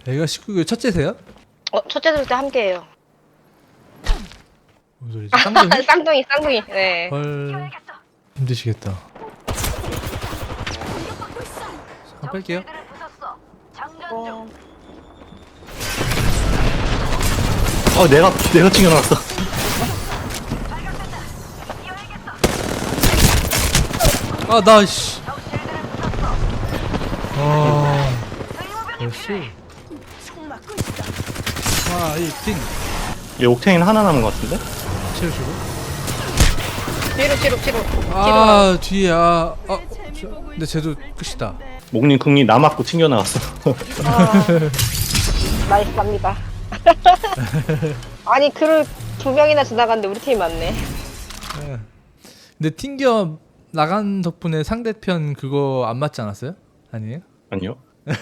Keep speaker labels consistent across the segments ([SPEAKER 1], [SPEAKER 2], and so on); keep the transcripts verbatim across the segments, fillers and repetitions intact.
[SPEAKER 1] 애가 십구 개 첫째세요?
[SPEAKER 2] 어, 첫째 둘째 함께해요.
[SPEAKER 1] 무슨 소리지? 쌍둥이?
[SPEAKER 2] 쌍둥이, 쌍둥이. 네.
[SPEAKER 1] 헐 힘드시겠다. 잠깐 뺄게요.
[SPEAKER 2] 어,
[SPEAKER 3] 어 내가 내가 챙겨놨어.
[SPEAKER 1] 아 나 씨. 아 역시 파이팅
[SPEAKER 3] 얘 옥테인 하나 남은 것 같은데?
[SPEAKER 1] 채우시고.
[SPEAKER 2] 뒤로, 뒤로, 뒤로.
[SPEAKER 1] 아 뒤에 아, 아 저, 근데 쟤도 끝이다.
[SPEAKER 3] 목님 궁이 남았고 챙겨 나왔어.
[SPEAKER 2] 아, 나이스 갑니다. 아니, 그를 두 명이나 지나갔는데 우리 팀이 많네.
[SPEAKER 1] 예. 근데 튕겨 나간 덕분에 상대편 그거 안 맞지 않았어요? 아니에요?
[SPEAKER 3] 아니요.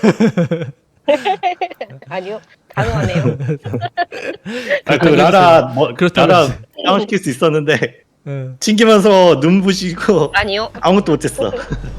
[SPEAKER 2] 아니요, 가능하네요.
[SPEAKER 3] 아, 그 라라 뭐
[SPEAKER 1] 그렇다고
[SPEAKER 3] 라라
[SPEAKER 1] 했지.
[SPEAKER 3] 다운 시킬 수 있었는데
[SPEAKER 1] 예.
[SPEAKER 3] 튕기면서 눈 부시고
[SPEAKER 2] 아니요.
[SPEAKER 3] 아무것도 못했어.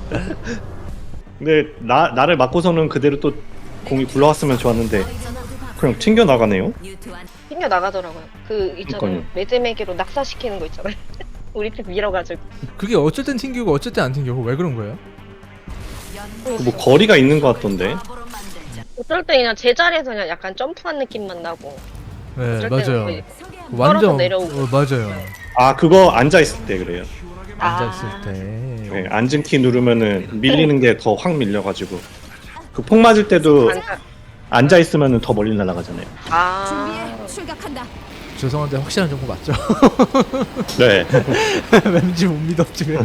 [SPEAKER 3] 근데 나 나를 맞고서는 그대로 또 공이 굴러왔으면 좋았는데 그냥 튕겨 나가네요.
[SPEAKER 2] 튕겨 나가더라고요. 그 있잖아요.
[SPEAKER 3] 그러니까요.
[SPEAKER 2] 매드맥이로 낙사시키는 거 있잖아요. 우리 팀 밀어가지고.
[SPEAKER 1] 그게 어쩔 땐 튕기고 어쩔 땐 안 튕기고 왜 그런 거예요?
[SPEAKER 3] 뭐 거리가 있는 것 같던데.
[SPEAKER 2] 어떨 때 그냥 제자리에서 그냥 약간 점프한 느낌만 나고.
[SPEAKER 1] 네
[SPEAKER 2] 어쩔 때는
[SPEAKER 1] 맞아요.
[SPEAKER 2] 거의
[SPEAKER 1] 완전
[SPEAKER 2] 내려오고.
[SPEAKER 1] 어, 맞아요.
[SPEAKER 3] 아 그거 앉아 있을 때 그래요.
[SPEAKER 1] 앉아
[SPEAKER 2] 아.
[SPEAKER 1] 있을 때.
[SPEAKER 3] 네, 앉은 키 누르면은 밀리는 게 더 확 밀려가지고 그 폭 맞을 때도
[SPEAKER 2] 앉아.
[SPEAKER 3] 앉아 있으면은 더 멀리 날아가잖아요.
[SPEAKER 2] 아.
[SPEAKER 4] 준비해 출격한다.
[SPEAKER 1] 죄송한데 확실한 정보 맞죠?
[SPEAKER 3] 네.
[SPEAKER 1] 왠지 못 믿었지.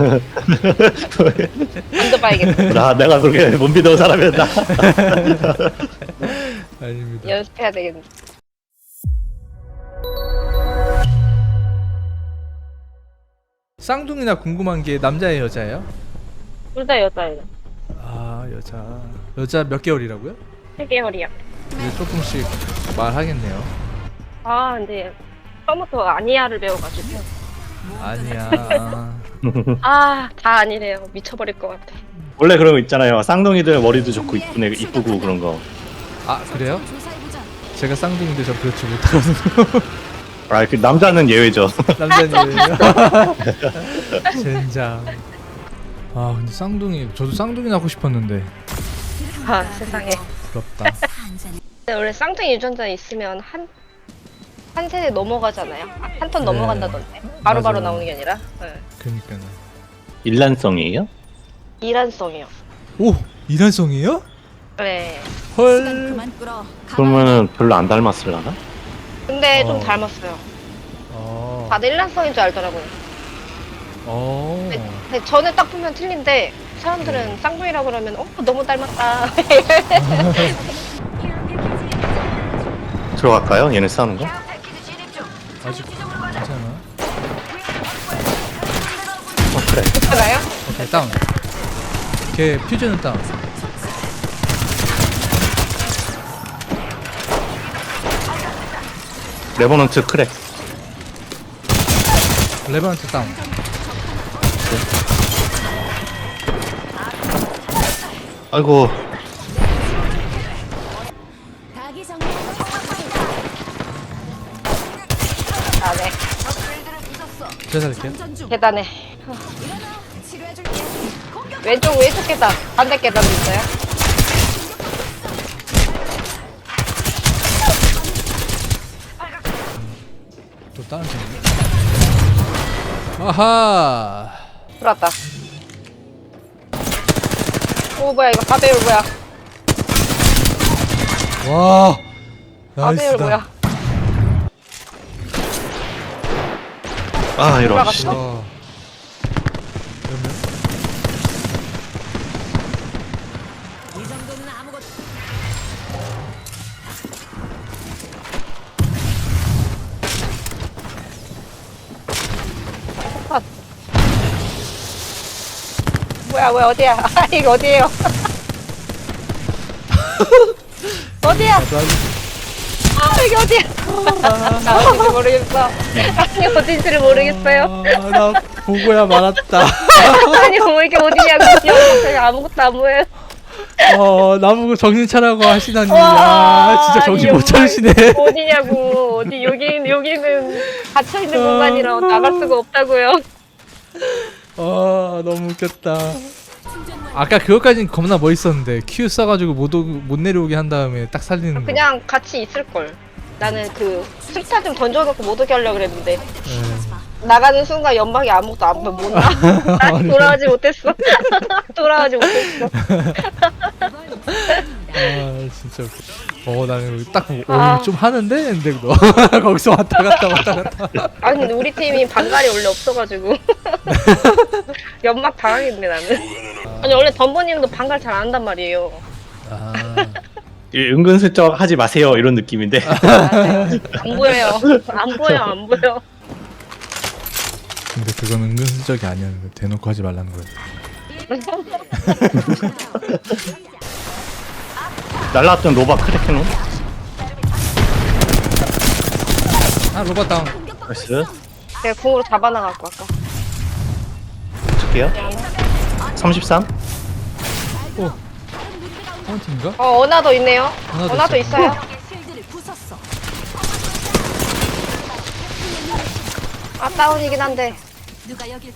[SPEAKER 2] 앉아봐야겠다.
[SPEAKER 3] 나 내가 그렇게 못 믿어온 사람이었나?
[SPEAKER 1] 아닙니다.
[SPEAKER 2] 연습해야 되겠네.
[SPEAKER 1] 쌍둥이나 궁금한 게 남자예요 여자예요?
[SPEAKER 2] 둘 다 여자예요.
[SPEAKER 1] 아 여자. 여자 몇 개월이라고요?
[SPEAKER 2] 세 개월이야.
[SPEAKER 1] 이제 조금씩 말하겠네요.
[SPEAKER 2] 아, 근데 처음부터 아니야를 배워가지고.
[SPEAKER 1] 아니야.
[SPEAKER 2] 아, 다 아니래요. 미쳐버릴 것 같아.
[SPEAKER 3] 원래 그런 거 있잖아요. 쌍둥이들 머리도 좋고 이쁘네 이쁘고 그런 거.
[SPEAKER 1] 아 그래요?
[SPEAKER 4] 조사해보자.
[SPEAKER 1] 제가 쌍둥이인데 저 그렇지 못하거든요.
[SPEAKER 3] 아 그 남자는 예외죠.
[SPEAKER 1] 남자님이에요. 젠장. 아 근데 쌍둥이 저도 쌍둥이 낳고 싶었는데
[SPEAKER 2] 아, 세상에.
[SPEAKER 1] 부럽다.
[SPEAKER 2] 근데 원래 쌍둥이 유전자 있으면 한, 한 세대 넘어가잖아요. 아, 한 턴
[SPEAKER 1] 네.
[SPEAKER 2] 넘어간다던데. 바로바로
[SPEAKER 1] 맞아요.
[SPEAKER 2] 나오는 게 아니라. 네.
[SPEAKER 1] 그니까요.
[SPEAKER 3] 일란성이에요?
[SPEAKER 2] 이란성이요.
[SPEAKER 1] 오 이란성이에요?
[SPEAKER 2] 네.
[SPEAKER 4] 시간
[SPEAKER 1] 헐.
[SPEAKER 4] 그만 끌어.
[SPEAKER 3] 그러면은 별로 안 닮았을라나?
[SPEAKER 2] 근데
[SPEAKER 1] 어.
[SPEAKER 2] 좀 닮았어요.
[SPEAKER 1] 어.
[SPEAKER 2] 다들 일란성인 줄 알더라고요.
[SPEAKER 1] 어.
[SPEAKER 2] 근데 저는 딱 보면 틀린데 사람들은 쌍둥이라고 그러면 어 너무 닮았다.
[SPEAKER 3] 들어갈까요? 얘네 싸우는 거?
[SPEAKER 1] 아직 괜찮아.
[SPEAKER 3] 어 그래.
[SPEAKER 2] 괜찮아요?
[SPEAKER 1] 오케이 다운. 걔 퓨즈는 다운.
[SPEAKER 3] 레버넌트 크랙.
[SPEAKER 1] 레버넌트 다운.
[SPEAKER 3] 아이고
[SPEAKER 4] 닭이 정리한
[SPEAKER 2] 아 네.
[SPEAKER 1] 제가 살릴게요.
[SPEAKER 4] 장전 중.
[SPEAKER 2] 계단에
[SPEAKER 4] 일어나. 치료해줄게. 공격.
[SPEAKER 2] 왼쪽 왼쪽 계단 반대 계단도 있어요.
[SPEAKER 1] 또 다른 팀. 아하.
[SPEAKER 2] 들어왔다. 오 뭐야 이거 가배율 뭐야?
[SPEAKER 1] 와.
[SPEAKER 2] 가배율
[SPEAKER 1] 나이스다.
[SPEAKER 2] 뭐야?
[SPEAKER 3] 아 이런.
[SPEAKER 2] 올라갔어?
[SPEAKER 1] 와. 그러면
[SPEAKER 4] 이 정도는 아무것도.
[SPEAKER 2] 뭐야 뭐야 어디야? 아 이거 어디에요? 어디야? 아 이게 어디야? 나 어딘지 모르겠어. 아니 어딘지를 모르겠어요.
[SPEAKER 1] 아, 나 보고야 말았다.
[SPEAKER 2] 아니 뭐 이게 어디냐고 그냥 아무것도 안 보여요.
[SPEAKER 1] 어 나보고 정신 차라고 하시다니
[SPEAKER 2] 와,
[SPEAKER 1] 아 진짜 정신
[SPEAKER 2] 이
[SPEAKER 1] 못 차리시네.
[SPEAKER 2] 어디냐고. 어디 여기 여기는 갇혀 있는
[SPEAKER 1] 아.
[SPEAKER 2] 공간이라 나갈 수가 없다고요.
[SPEAKER 1] 아 너무 웃겼다. 아까 그것까진 겁나 멋있었는데 Q 써가지고 못, 오, 못 내려오게 한 다음에 딱 살리는 거.
[SPEAKER 2] 그냥 같이 있을 걸. 나는 그 술타 좀 던져놓고 못 오게 하려고 그랬는데
[SPEAKER 1] 예.
[SPEAKER 2] 나가는 순간 연막이 아무것도 안 보면 못 나. 난 돌아가지 못했어. 돌아가지 못했어.
[SPEAKER 1] 아 진짜 웃겨. 어 나는 딱 보고
[SPEAKER 2] 아.
[SPEAKER 1] 어, 좀 하는데 근데 너 거기서 왔다 갔다 왔다 갔다.
[SPEAKER 2] 아 근데 우리 팀이 반갈이 원래 없어가지고 연막 당하겠네 나는. 아니 원래 덤버님도 반갈 잘 안 한단 말이에요.
[SPEAKER 1] 아
[SPEAKER 3] 예, 은근슬쩍 하지 마세요 이런 느낌인데.
[SPEAKER 2] 맞아요. 안 보여요. 안 보여 안 보여.
[SPEAKER 1] 근데 그건 은근슬쩍이 아니었는데 대놓고 하지 말라는 거예요.
[SPEAKER 3] 날라왔던 로바 크래켄 온.
[SPEAKER 1] 아 로봇 다운.
[SPEAKER 3] 나이스.
[SPEAKER 2] 제가 궁으로 잡아나갈거 아까.
[SPEAKER 3] 어떡해요? 삼십삼.
[SPEAKER 1] 오 파운틴인가?
[SPEAKER 2] 어 어나더 있네요.
[SPEAKER 1] 어나더
[SPEAKER 2] 어나더
[SPEAKER 1] 있어.
[SPEAKER 2] 있어요.
[SPEAKER 4] 실드를 부쉈어.
[SPEAKER 2] 아 다운이긴 한데.
[SPEAKER 4] 누가 여길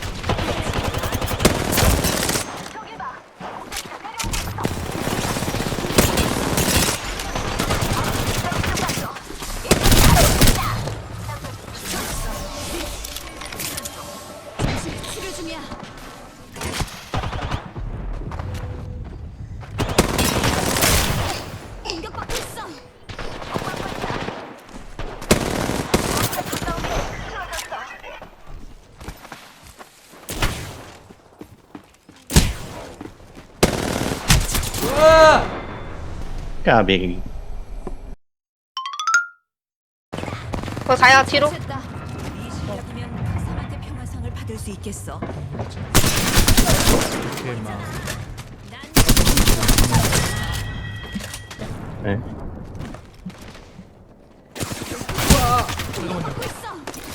[SPEAKER 4] 치료 중이야. 공격받고 있어.
[SPEAKER 3] 야 맥이.
[SPEAKER 2] 그거 가야 뒤로.
[SPEAKER 4] 됐다. 이 실력이면 사한테 평화상을 받을 수 있겠어.
[SPEAKER 1] 이렇게 막
[SPEAKER 3] 네.
[SPEAKER 4] 공격받고 있어.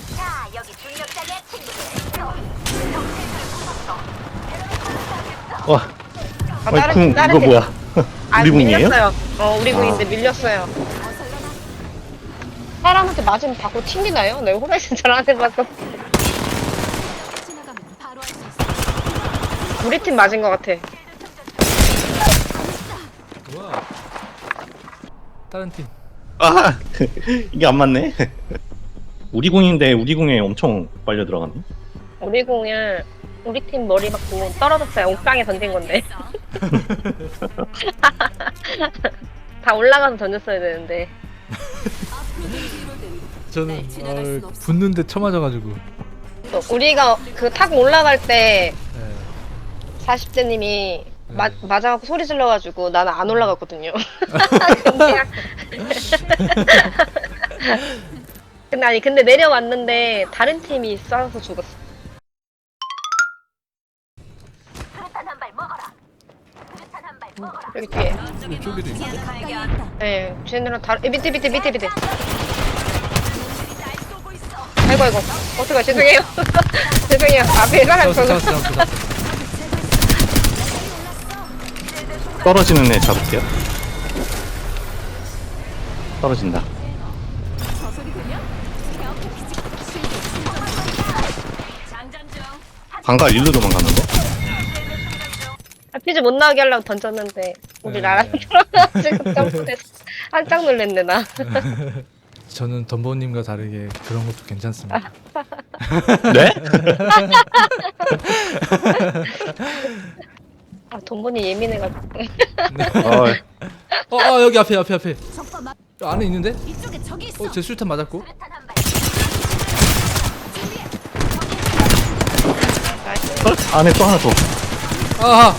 [SPEAKER 3] 와.
[SPEAKER 2] 아,
[SPEAKER 3] 어이,
[SPEAKER 2] 다른-
[SPEAKER 3] 궁
[SPEAKER 2] 다른
[SPEAKER 3] 이거
[SPEAKER 2] 팀.
[SPEAKER 3] 뭐야?
[SPEAKER 2] 아
[SPEAKER 3] 우리 궁이에요?
[SPEAKER 2] 밀렸어요. 어 우리 궁인데
[SPEAKER 3] 아.
[SPEAKER 2] 밀렸어요. 사람한테 맞으면 받고 튕기나요? 내가 호라이즌 잘 안 해봐서.
[SPEAKER 4] 지나가면 바로 할 수 있어.
[SPEAKER 2] 우리 팀 맞은 것 같아.
[SPEAKER 1] 뭐야? 다른 팀.
[SPEAKER 3] 아 이게 안 맞네. 우리 궁인데 우리 궁에 엄청 빨려 들어갔네.
[SPEAKER 2] 우리 궁을 우리 팀 머리 맞고 떨어졌어요. 옥상에 던진 건데. 다 올라가서 던졌어야 되는데.
[SPEAKER 1] 저는
[SPEAKER 4] 지나갈 순
[SPEAKER 1] 어,
[SPEAKER 4] 없어.
[SPEAKER 1] 붙는데 쳐맞아가지고.
[SPEAKER 2] 또 우리가 그 탁 올라갈 때
[SPEAKER 1] 예.
[SPEAKER 2] 사십 대님이 마,
[SPEAKER 1] 네.
[SPEAKER 2] 맞아갖고 소리 질러가지고 나는 안 올라갔거든요. 근데, 근데 아니 근데 내려왔는데 다른 팀이 쏴서 죽었어. 여기 뒤에.
[SPEAKER 1] 이쪽에도 있는데.
[SPEAKER 4] 가까이 있다.
[SPEAKER 2] 네, 쟤네랑 다른 밑에 밑에 밑에 밑에. 아이고 아이고 어떡해 죄송해요. 죄송해요. 앞에 사람
[SPEAKER 1] 잡았어
[SPEAKER 2] 저거.
[SPEAKER 1] 잡았어 잡았어.
[SPEAKER 3] 떨어지는 애 잡을게요. 떨어진다.
[SPEAKER 4] 저 소리 들려? 이렇게 비직- 실드 충전. 장전 중.
[SPEAKER 3] 방가 일로 도망갔는데?
[SPEAKER 2] 아, 퀴즈 못 나오게 하려고 던졌는데 우리
[SPEAKER 1] 네.
[SPEAKER 2] 나랑 들어가지고 점프했어. 깜짝 놀랐네 나.
[SPEAKER 1] 저는 덤보님과 다르게 그런 것도 괜찮습니다.
[SPEAKER 3] 네?
[SPEAKER 2] 아 돈본이 예민해가지고.
[SPEAKER 3] 어,
[SPEAKER 1] 어, 어 여기 앞에 앞에 앞에.
[SPEAKER 4] 적과 막
[SPEAKER 1] 저 안에 있는데?
[SPEAKER 4] 이쪽에 적이 있어.
[SPEAKER 1] 어 제 술탄 맞았고.
[SPEAKER 2] 나이스.
[SPEAKER 3] 어? 안에 또 하나 더.
[SPEAKER 1] 아하.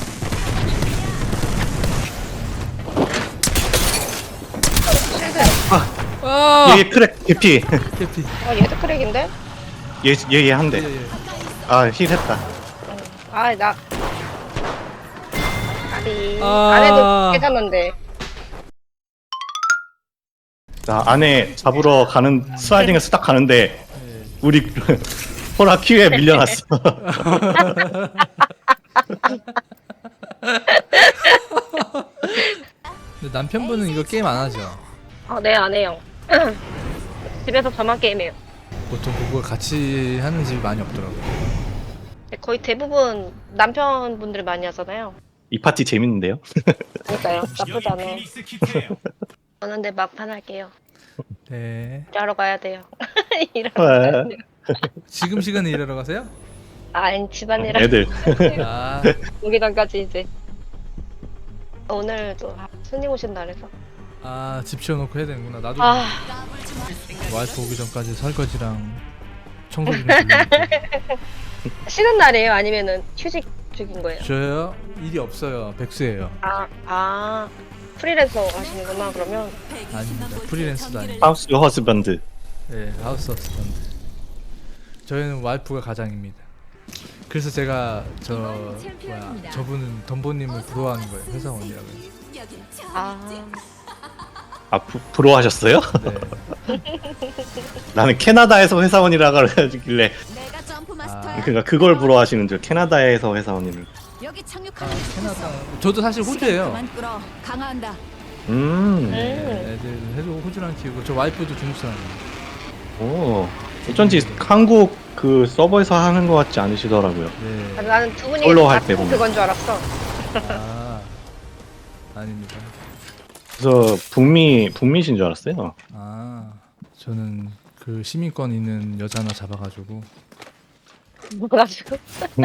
[SPEAKER 1] 아.
[SPEAKER 3] 얘 크랙 개피.
[SPEAKER 1] 개피.
[SPEAKER 2] 아 얘도 크랙인데?
[SPEAKER 3] 얘얘얘 한 대.
[SPEAKER 1] 예, 예.
[SPEAKER 3] 아 힐 했다.
[SPEAKER 2] 아 나. 아니
[SPEAKER 1] 아.
[SPEAKER 2] 안에도 괜찮은데.
[SPEAKER 3] 자 안에 잡으러 가는 슬라이딩에서 딱 가는데 우리 호라 큐에 밀려났어.
[SPEAKER 1] 근데 남편분은 이거 게임 안 하죠?
[SPEAKER 2] 아, 네, 안 해요. 집에서 저만 게임해요.
[SPEAKER 1] 보통 그걸 같이 하는 집이 많이 없더라고요.
[SPEAKER 2] 네, 거의 대부분 남편분들이 많이 하잖아요.
[SPEAKER 3] 이 파티 재밌는데요?
[SPEAKER 2] 그러니까요. 나쁘지 않아요. 저는 근데 막판 할게요.
[SPEAKER 1] 네.
[SPEAKER 2] 일하러 가야 돼요. 일하러 가야
[SPEAKER 3] 네.
[SPEAKER 2] 돼요.
[SPEAKER 1] 지금 시간에 일하러 가세요?
[SPEAKER 2] 아니, 집안일
[SPEAKER 3] 애들.
[SPEAKER 1] 아,
[SPEAKER 2] 오기 전까지 이제. 오늘 또 손님 오신 날에서.
[SPEAKER 1] 아, 집 치워놓고 해야 되는구나. 나도
[SPEAKER 2] 아,
[SPEAKER 1] 와이프 오기 전까지 설거지랑 청소 좀 해주려고.
[SPEAKER 2] 쉬는 날이에요? 아니면은 휴직 중인 거예요?
[SPEAKER 1] 저요? 일이 없어요. 백수예요.
[SPEAKER 2] 아, 아. 프리랜서 하시는구나, 그러면.
[SPEAKER 1] 아닙니다. 프리랜서도 아니고.
[SPEAKER 3] 하우스 허스밴드.
[SPEAKER 1] 네, 하우스 어스턴트. 저희는 와이프가 가장입니다. 그래서 제가 저 뭐야 저분은 덤보님을 부러워하는 거예요. 회사원이라고.
[SPEAKER 2] 아,
[SPEAKER 3] 아 부, 부러워하셨어요?
[SPEAKER 1] 네.
[SPEAKER 3] 나는 캐나다에서 회사원이라고 그러길래
[SPEAKER 4] 내가 점프
[SPEAKER 1] 아,
[SPEAKER 4] 마스터야.
[SPEAKER 3] 그러니까 그걸 부러워하시는 줄. 캐나다에서 회사원이를.
[SPEAKER 4] 여기
[SPEAKER 1] 아,
[SPEAKER 4] 착륙하는
[SPEAKER 1] 캐나다. 저도 사실 호주예요.
[SPEAKER 4] 그만 끌어. 강화한다.
[SPEAKER 3] 음.
[SPEAKER 1] 네,
[SPEAKER 2] 음.
[SPEAKER 1] 애들 해도 호주랑 키우고 저 와이프도 중국 사람이에요.
[SPEAKER 3] 오. 어쩐지 한국 그 서버에서 하는 것 같지 않으시더라고요.
[SPEAKER 1] 네.
[SPEAKER 2] 나는 두 분이
[SPEAKER 3] 솔로 할때
[SPEAKER 2] 같은
[SPEAKER 3] 보면.
[SPEAKER 2] 그건 줄 알았어.
[SPEAKER 1] 아, 아닙니다.
[SPEAKER 3] 그래서 북미 북미신 줄 알았어요.
[SPEAKER 1] 아, 저는 그 시민권 있는 여자 하나 잡아가지고
[SPEAKER 2] 뭐가지고?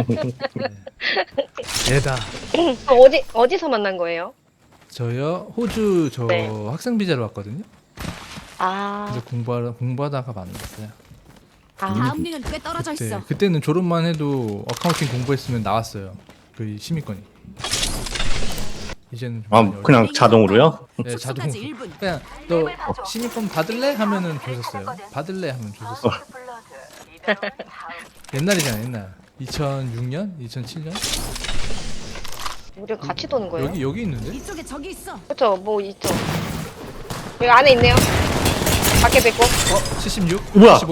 [SPEAKER 1] 얘다.
[SPEAKER 2] 어디 어디서 만난 거예요?
[SPEAKER 1] 저요 호주 저
[SPEAKER 2] 네.
[SPEAKER 1] 학생 비자로 왔거든요.
[SPEAKER 2] 아,
[SPEAKER 1] 그래서 공부하다 공부하다가 만났어요.
[SPEAKER 2] 아,
[SPEAKER 4] 다음 링은 꽤 떨어져
[SPEAKER 1] 그때
[SPEAKER 4] 있어.
[SPEAKER 1] 그때는 졸업만 해도 어카운팅 공부했으면 나왔어요. 그 시민권이. 이제는 좀
[SPEAKER 3] 아
[SPEAKER 1] 많이
[SPEAKER 3] 그냥 자동으로요?
[SPEAKER 1] 네, 자동.
[SPEAKER 4] 숙소까지 일 분.
[SPEAKER 1] 그냥 너 시민권 받을래 하면은 줬었어요. 받을래 하면 줬었어요. 옛날이잖아 옛날. 이천육 년, 이천칠 년
[SPEAKER 2] 우리 같이 도는 거예요?
[SPEAKER 1] 여기 여기 있는데?
[SPEAKER 4] 이쪽에 적이 있어.
[SPEAKER 2] 그렇죠, 뭐 있죠. 여기 안에 있네요. 밖에 뵙고.
[SPEAKER 1] 어, 칠십육,
[SPEAKER 3] 뭐야?
[SPEAKER 1] 칠십오.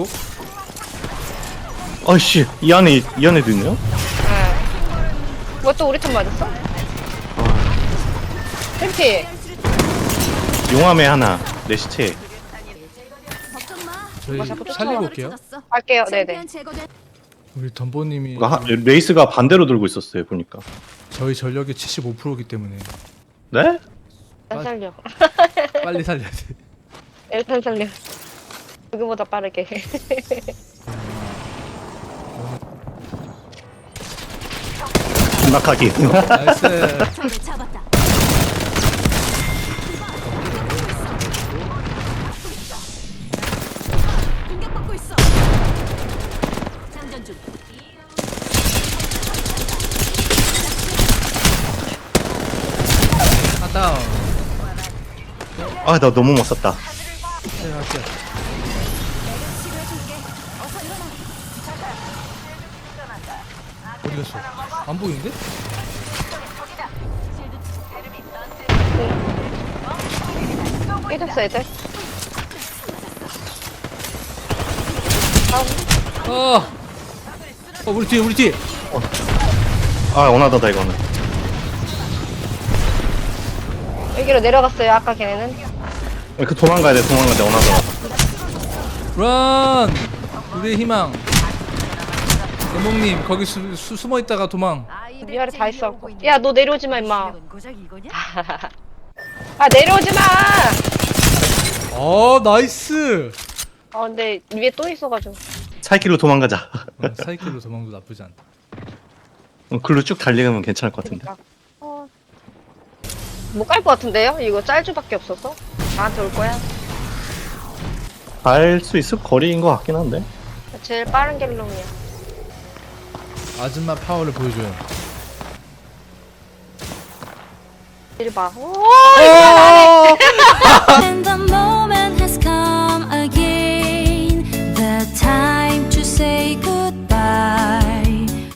[SPEAKER 3] 아이씨 이 안에 이 안에도 있네요?
[SPEAKER 2] 네. 뭐또 우리 편 맞았어? 템피.
[SPEAKER 3] 용암에 하나 내 시체.
[SPEAKER 4] 걱정 마.
[SPEAKER 1] 저희
[SPEAKER 2] 어, 자꾸
[SPEAKER 1] 살리고
[SPEAKER 2] 쫓아와.
[SPEAKER 1] 올게요.
[SPEAKER 2] 갈게요. 네네.
[SPEAKER 4] 챔피언 제거된.
[SPEAKER 1] 우리 덤보님이
[SPEAKER 3] 하, 레이스가 반대로 들고 있었어요 보니까.
[SPEAKER 1] 저희 전력의 칠십오 퍼센트이기 때문에
[SPEAKER 3] 네?
[SPEAKER 2] 일단 살려.
[SPEAKER 1] 빨리 살려야 돼.
[SPEAKER 2] 일단 살려. 누구보다 빠르게.
[SPEAKER 3] 낙하기.
[SPEAKER 1] 나이스.
[SPEAKER 4] 적을 잡았다. 공격받고 있어. 장전 중.
[SPEAKER 1] 아 다운.
[SPEAKER 3] 아 나 너무 못 썼다.
[SPEAKER 1] 네, 할게요.
[SPEAKER 4] 치료해줄게. 어서 일어나.
[SPEAKER 1] 어디 갔어? 안 보이는데?
[SPEAKER 2] 깨졌어, 애들.
[SPEAKER 1] 어. 어 우리 뒤에 우리 뒤에.
[SPEAKER 3] 아 원하다다 이거는.
[SPEAKER 2] 여기로 내려갔어요, 아까 걔네는.
[SPEAKER 3] 그 도망가야 돼 도망가야 돼 원하다.
[SPEAKER 1] 런. 우리의 희망. 대목님 거기 수, 수, 숨어 있다가 도망.
[SPEAKER 2] 위아래 다 있어. 야, 너 내려오지 마, 임마.
[SPEAKER 4] 고작 이거냐?
[SPEAKER 2] 아, 내려오지 마!
[SPEAKER 1] 어 나이스.
[SPEAKER 2] 아, 근데 위에 또 있어가지고.
[SPEAKER 3] 사이킬로 도망가자.
[SPEAKER 1] 어, 사이클로 도망도 나쁘지 않다.
[SPEAKER 3] 어, 글로 쭉 달리면 괜찮을 것 같은데.
[SPEAKER 2] 그러니까. 어. 못 갈 것 같은데요? 이거 짤주밖에 없어서? 나한테 올 거야?
[SPEAKER 3] 갈 수 있을 거리인 것 같긴 한데.
[SPEAKER 2] 제일 빠른 갤롱이야.
[SPEAKER 1] 아줌마 파워를 보여줘요.
[SPEAKER 2] 이리 봐. 오, 이거 안 해.